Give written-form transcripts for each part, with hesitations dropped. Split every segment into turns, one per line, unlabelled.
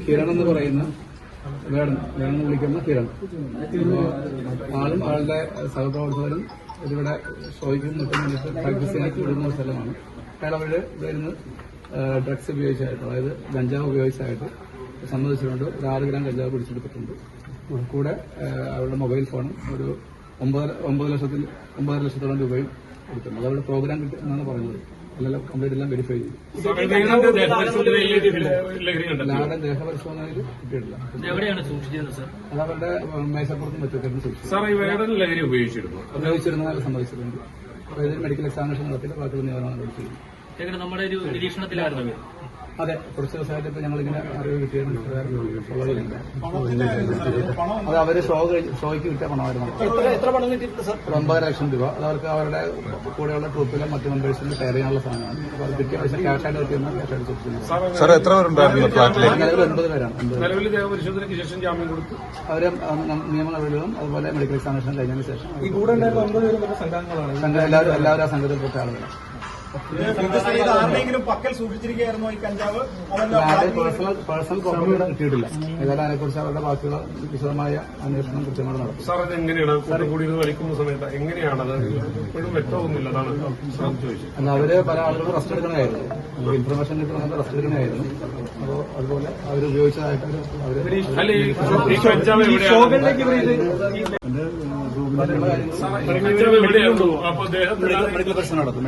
കിരൺ എന്ന് പറയുന്ന വേണം വിളിക്കുന്ന കിരൺ. ആളും ആളുടെ സഹപ്രവർത്തകരും ഇതിവിടെ ഷോയ്ക്കും മറ്റും വേണ്ടിയിട്ട് പ്രാക്ടീസ് ചെയ്യാനായിട്ട് വിടുന്ന സ്ഥലമാണ്. അയാൾ അവരുടെ ഇവിടെ നിന്ന് ഡ്രഗ്സ് ഉപയോഗിച്ചായിട്ട്, അതായത് ഗഞ്ചാവ് ഉപയോഗിച്ചായിട്ട് സമ്മതിച്ചിട്ടുണ്ട്. ഒരു 6 ഗ്രാം ഗഞ്ചാവ് പിടിച്ചെടുത്തിട്ടുണ്ട്. കൂടെ അവരുടെ മൊബൈൽ ഫോണും ഒരു 9 ലക്ഷത്തോളം രൂപയും എടുക്കുന്നു. അതവരുടെ പ്രോഗ്രാം കിട്ടും എന്നാണ് പറഞ്ഞത്. എല്ലാം കംപ്ലീറ്റ് എല്ലാം വെരിഫൈ ചെയ്തു. എല്ലാവരുടെ ദേഹപരിശോധനയിൽ കിട്ടിയിട്ടില്ല. അത് അവരുടെ മേശപ്പുറത്തും വെച്ചൊക്കെ സൂക്ഷിച്ചു ഉപയോഗിച്ചിരുന്നതായി സമ്മതിച്ചിട്ടുണ്ട്. അപ്പോൾ ഇതിൽ മെഡിക്കൽ എക്സാമിനേഷൻ നടത്തിയിട്ട് ബാക്കിയുള്ള നിയമനമാണ് നടത്തിയത്.
നമ്മുടെ ഒരു നിരീക്ഷണത്തിലായിരുന്നു.
അതെ, കുറച്ച് ദിവസമായിട്ട് ഇപ്പൊ ഞങ്ങളിങ്ങനെ അറിവ് കിട്ടിയിരുന്നു. അത് അവര് ഷോയ്ക്ക് കിട്ടിയ പണമായിരുന്നു. 9 ലക്ഷം രൂപ. അത് അവർക്ക് അവരുടെ കൂടെയുള്ള ട്രൂപ്പിലെ മറ്റു മെമ്പേഴ്സിന് ഷെയർ ചെയ്യാനുള്ള സാധനമാണ്. അപ്പോൾ അത് കിട്ടിയ പൈസ ക്യാഷായിട്ട് കിട്ടിയെന്ന് ക്യാഷായിട്ട് സൂക്ഷിക്കുന്നത്. നിലവിൽ 9 പേരാണ്. അവര് നിയമ നടപടികളും അതുപോലെ മെഡിക്കൽ എക്സാമിനേഷൻ കഴിഞ്ഞതിന് ശേഷം സംഘം എല്ലാവരും ആ സംഘത്തിൽപ്പെട്ട ആളുകളാണ്. പേഴ്സണൽ പ്രോപ്പർട്ടി കിട്ടിയിട്ടില്ല. ഏതായാലും അതിനെക്കുറിച്ച് അവരുടെ ബാക്കിയുള്ള വിശദമായ അന്വേഷണം കൃത്യമായി നടത്തും.
സാർ, അത് എങ്ങനെയാണ് കൂടി വലിക്കുന്ന സമയത്ത് എങ്ങനെയാണ് അത് ഇപ്പോഴും വ്യക്തമാകുന്നില്ല.
അല്ല, അവര് പല ആളുകളും റെസ്റ്റ് എടുക്കണമായിരുന്നു. ഇൻഫർമേഷൻ കിട്ടുന്ന റെസ്റ്റ് എടുക്കണമായിരുന്നു. അപ്പോൾ അതുപോലെ അവർ ഉപയോഗിച്ചതായിട്ട് മെഡിക്കൽ പ്രശ്നം നടത്തും.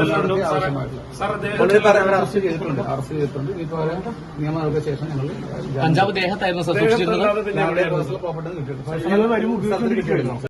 അറസ്റ്റ് ചെയ്തിട്ടുണ്ട്. ഇപ്പൊ അവരെ നിയമ നടപടിക്ക് ശേഷം ഞങ്ങൾ
കഞ്ചാവ് ദേഹത്തായിരുന്നു
പേഴ്സണൽ പ്രോപ്പർട്ടി കിട്ടിയിട്ടുണ്ട്.